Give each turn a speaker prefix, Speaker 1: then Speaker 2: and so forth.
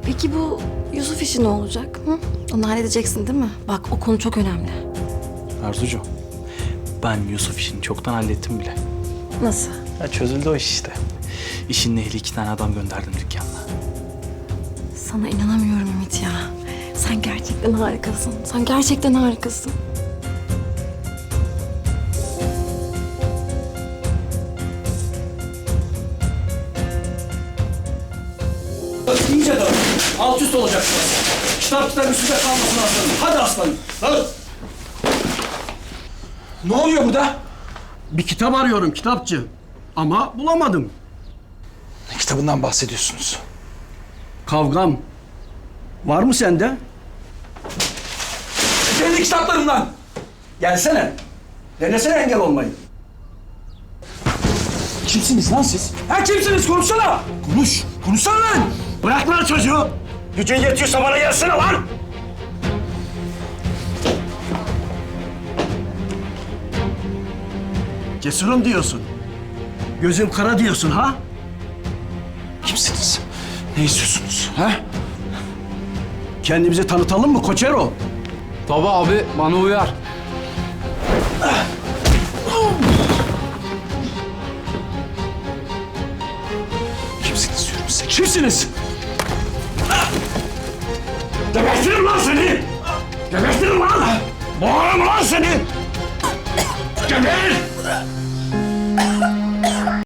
Speaker 1: Peki bu Yusuf işi ne olacak? Hı? Onu halledeceksin değil mi? Bak o konu çok önemli.
Speaker 2: Arzucuğum, ben Yusuf işini çoktan hallettim bile.
Speaker 1: Nasıl?
Speaker 2: Ya çözüldü o iş işte. İşin ehli 2 tane adam gönderdim dükkanına.
Speaker 1: Sana inanamıyorum Ümit ya. Sen gerçekten harikasın. Sen gerçekten harikasın.
Speaker 3: İyice dön. Alt üst olacak burası. Kitap üstünde kalmasın aslanım. Hadi aslanım. Hadi. Ne oluyor burada?
Speaker 4: Bir kitap arıyorum, kitapçı. Ama bulamadım.
Speaker 3: Ne kitabından bahsediyorsunuz?
Speaker 4: Kavgam. Var mı sende?
Speaker 3: Kendi kitaplarımdan.
Speaker 4: Gelsene. Denesene engel olmayı.
Speaker 3: Kimsiniz lan siz? Ha kimsiniz? Konuşsana. Konuş. Konuşsana lan.
Speaker 4: Bırak lan çocuğu. Gücün yetiyorsa bana gelsene lan. Cesurum diyorsun. Gözüm kara diyorsun ha?
Speaker 3: Kimsiniz? Ne istiyorsunuz? Ha?
Speaker 4: Kendimizi tanıtalım mı Koçero?
Speaker 5: Tabii abi, bana uyar.
Speaker 3: Kimsiniz diyorum size? Kimsiniz?
Speaker 4: Gebertirim lan seni! Gebertirim lan! Boğarım lan seni! Geber!